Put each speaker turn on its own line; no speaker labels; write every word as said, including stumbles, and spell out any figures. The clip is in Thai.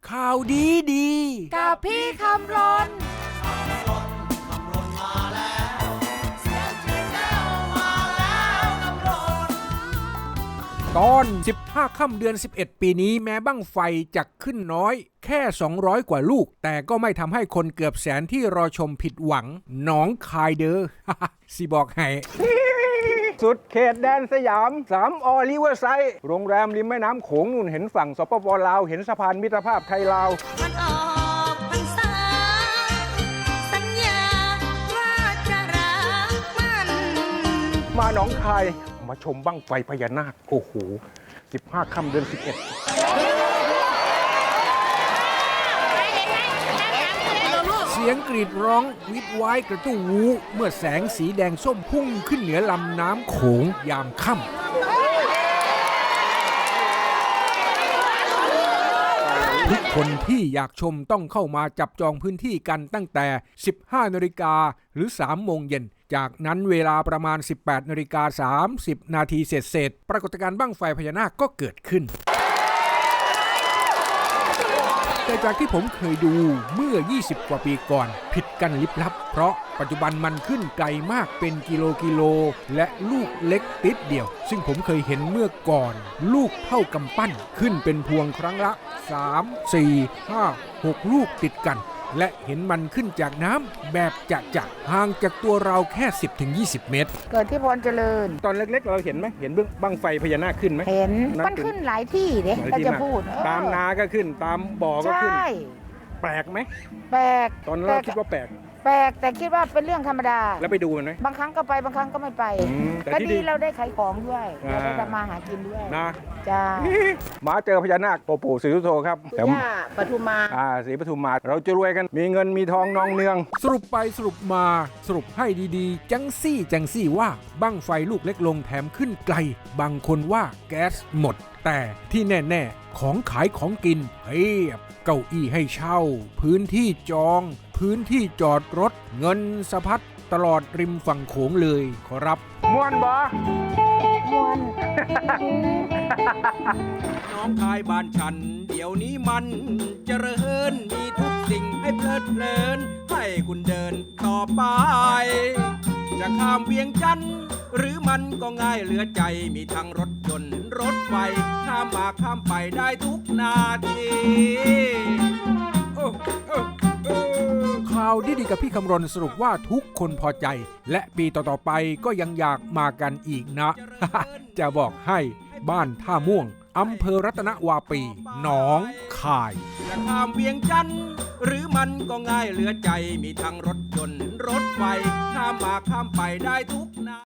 ข่าวดีดี
กับพี่คำรน
ตอนสิบห้าค่ำเดือนสิบเอ็ดปีนี้แม้บั้งไฟจะขึ้นน้อยแค่สองร้อยกว่าลูกแต่ก็ไม่ทำให้คนเกือบแสนที่รอชมผิดหวังหนองคายเด้อ สิบอกให้
สุดเขตแดนสยามสามออริเวอร์ไซด์โรงแรมริมแม่น้ำโขงนู่นเห็นฝั่งสปปลาวเห็นสะพานมิตรภาพไทยลาว
มันออกพรรษาสัญญาว่าจะรักมัน
มาหนองคายมาชมบั้งไฟพญานาคโอ้โหสิบห้าค่ำเดือนสิบเอ็ด
เสียงกรีดร้องวิดว้ายกระตู้วูเมื่อแสงสีแดงส้มพุ่งขึ้นเหนือลำน้ำโขงยามค่ำทุกคนที่อยากชมต้องเข้ามาจับจองพื้นที่กันตั้งแต่ สิบห้านาฬิกาหรือ สามโมงเย็นจากนั้นเวลาประมาณ สิบแปดนาฬิกาสามสิบนาทีเศษๆปรากฏการณ์บั้งไฟพญานาคก็เกิดขึ้นแต่จากที่ผมเคยดูเมื่อยี่สิบกว่าปีก่อนผิดกันลิบลับเพราะปัจจุบันมันขึ้นไกลมากเป็นกิโลกิโลและลูกเล็กติดเดียวซึ่งผมเคยเห็นเมื่อก่อนลูกเท่ากำปั้นขึ้นเป็นพวงครั้งละสาม สี่ ห้า หกลูกติดกันและเห็นมันขึ้นจากน้ำแบบจะจะห่างจากตัวเราแค่ สิบถึงยี่สิบ เมตร
เกิดที่พรเจริญ
ตอนเล็กๆเราเห็นไหมเห็นบั้งไฟพญานาคขึ้นไหม
เห็นมันขึ้นหลายที่เด้ถ้าจะพูด
ตามนาก็ขึ้นตามบ่อก็ขึ้น
ใช่
แปลกไหม
แปลก
ตอนเราคิดว่าแปลก
แปลกแต่คิดว่าเป็นเรื่องธรรมดา
แล้วไปดูมันไหม
บางครั้งก็ไปบางครั้งก็ไม่ไปก็ดีเราได้ขายของด้วยเราได้ทำมาหากินด้วย
นะ
จ้า
มาเจอพญานาคปู่ศรีสุโธครับ
แถวปทุมมา
อ่าศรีปทุมมาเราจะรวยกันมีเงินมีทองนองเนือง
สรุปไปสรุปมาสรุปให้ดีๆจังซี่จังซี่ว่าบั้งไฟลูกเล็กลงแถมขึ้นไกลบางคนว่าแก๊สหมดแต่ที่แน่ๆของขายของกินเพียบเก้าอี้ให้เช่าพื้นที่จองพื้นที่จอดรถเงินสะพัดตลอดริมฝั่งโขงเลยขอรับ
ม่วนบ่
ม่วน
น้องคายบ้านฉันเดี๋ยวนี้มันเจริญมีทุกสิ่งให้เพลิดเพลินให้คุณเดินต่อไปจะข้ามเวียงจันทร์หรือมันก็ง่ายเหลือใจมีทั้งรถยนต์รถไฟข้ามมาข้ามไปได้ทุกนาทีข่าวดีๆกับพี่คำรณสรุปว่าทุกคนพอใจและปีต่อๆไปก็ยังอยากมากันอีกนะ จะบอกให้บ้านท่าม่วงอำเภอรัตนวาปีหนองคายจะข้ามเวียงจันทร์หรือมันก็ง่ายเหลือใจมีทั้งรถยนต์รถไฟข้ามมาข้ามไปได้ทุกนา